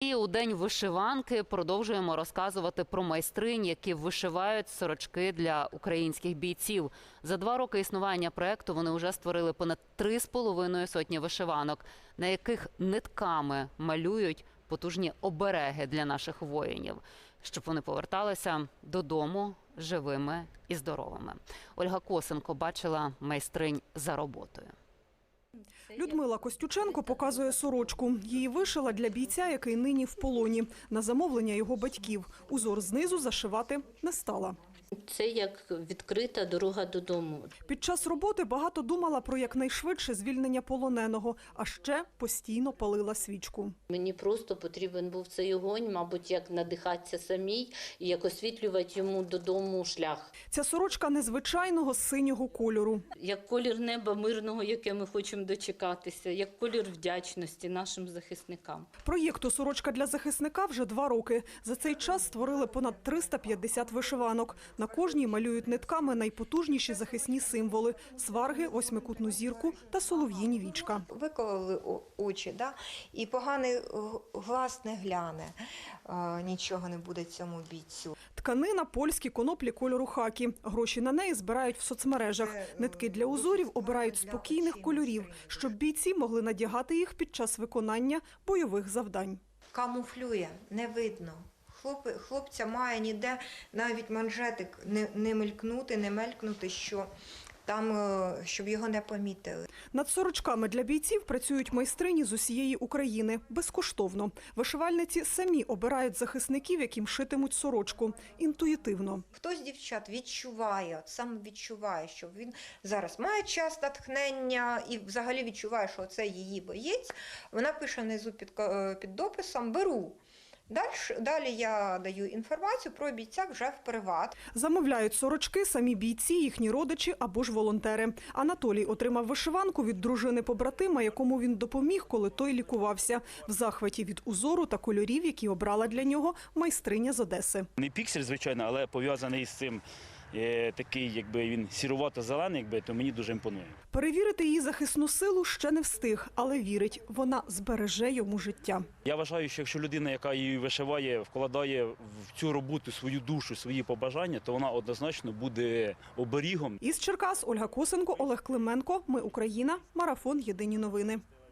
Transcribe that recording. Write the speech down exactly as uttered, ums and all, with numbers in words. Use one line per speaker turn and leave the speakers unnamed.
І у День вишиванки продовжуємо розказувати про майстринь, які вишивають сорочки для українських бійців. За два роки існування проєкту вони вже створили понад три з половиною сотні вишиванок, на яких нитками малюють потужні обереги для наших воїнів, щоб вони поверталися додому живими і здоровими. Ольга Косенко бачила майстринь за роботою.
Людмила Костюченко показує сорочку. Її вишила для бійця, який нині в полоні. На замовлення його батьків. Узор знизу зашивати не стала.
Це як відкрита дорога додому.
Під час роботи багато думала про якнайшвидше звільнення полоненого, а ще постійно палила свічку.
Мені просто потрібен був цей огонь, мабуть, як надихатися самій і як освітлювати йому додому шлях.
Ця сорочка незвичайного синього кольору.
Як колір неба мирного, яке ми хочемо дочекатися, як колір вдячності нашим захисникам.
Проєкту «Сорочка для захисника» вже два роки. За цей час створили понад триста п'ятдесят вишиванок. На кожній малюють нитками найпотужніші захисні символи – сварги, восьмикутну зірку та солов'їні вічка.
Викололи очі, да? І поганий глаз не гляне, нічого не буде цьому бійцю.
Тканина – польські коноплі кольору хакі. Гроші на неї збирають в соцмережах. Нитки для узорів обирають спокійних кольорів, щоб бійці могли надягати їх під час виконання бойових завдань.
Камуфлює, не видно. Хлоп, хлопця має ніде навіть манжетик не, не мелькнути, не мелькнути, що там, щоб його не помітили.
Над сорочками для бійців працюють майстрині з усієї України. Безкоштовно. Вишивальниці самі обирають захисників, яким шитимуть сорочку. Інтуїтивно.
Хтось з дівчат відчуває, сам відчуває, що він зараз має час натхнення і взагалі відчуває, що це її боєць. Вона пише внизу під, під дописом «беру». Далі, далі я даю інформацію про бійця вже в приват.
Замовляють сорочки самі бійці, їхні родичі або ж волонтери. Анатолій отримав вишиванку від дружини-побратима, якому він допоміг, коли той лікувався. В захваті від узору та кольорів, які обрала для нього майстриня з Одеси.
Не піксель, звичайно, але пов'язаний з цим. Такий, якби він сірувато-зелений, якби, то мені дуже імпонує.
Перевірити її захисну силу ще не встиг, але вірить, вона збереже йому життя.
Я вважаю, що якщо людина, яка її вишиває, вкладає в цю роботу свою душу, свої побажання, то вона однозначно буде оберігом.
Із Черкас Ольга Косенко, Олег Клименко. Ми Україна. Марафон. Єдині новини.